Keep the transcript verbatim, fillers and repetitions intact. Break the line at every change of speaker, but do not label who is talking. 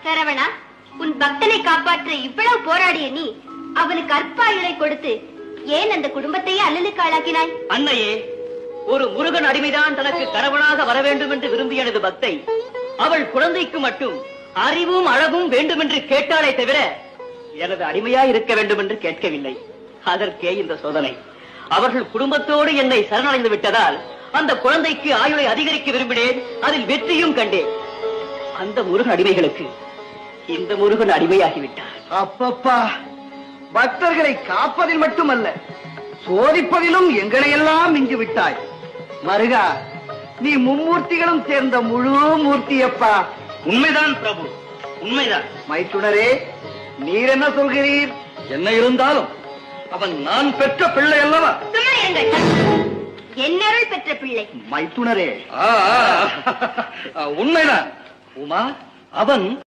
சரவணா, உன் பக்தனை காப்பாற்ற இவ்வளவு போராடிய நீ அவனுக்கு அற்பாயுளை கொடுத்து ஏன் அந்த குடும்பத்தையே அல்லலுக்கு ஆளாக்கினாய்?
அன்னையே, ஒரு முருகன் அடிமைதான் தனக்கு கணவனாக வர வேண்டும் என்று விரும்பிய எனது பக்தை அவள் குழந்தைக்கு மட்டும் அறிவும் அழகும் வேண்டும் என்று கேட்டாலே தவிர எனது அடிமையா இருக்க வேண்டும் என்று கேட்கவில்லை. அதற்கே இந்த சோதனை. அவர்கள் குடும்பத்தோடு என்னை சரணடைந்து விட்டதால் அந்த குழந்தைக்கு ஆயுளை அதிகரிக்க விரும்பினேன். அதில் வெற்றியும் கண்டேன். அந்த முருகன் அடிமைகளுக்கு இந்த முருகன் அடிமையாகிவிட்டார்.
அப்பப்பா, பக்தர்களை காப்பதில் மட்டுமல்ல, சோதிப்பதிலும் எங்களை எல்லாம் மிஞ்சி விட்டாய். மருகா, நீ மும்மூர்த்திகளும் சேர்ந்த முழு மூர்த்தியப்பா.
உண்மைதான் பிரபு, உண்மைதான்.
மைத்துனரே, நீர் என்ன சொல்கிறீர்?
என்ன இருந்தாலும் அவன் நான் பெற்ற பிள்ளை அல்லவா?
சும்மா இருங்கள். என்னருள் பெற்ற பிள்ளை.
மைத்துனரே,
உண்மைதான் உமா, அவன்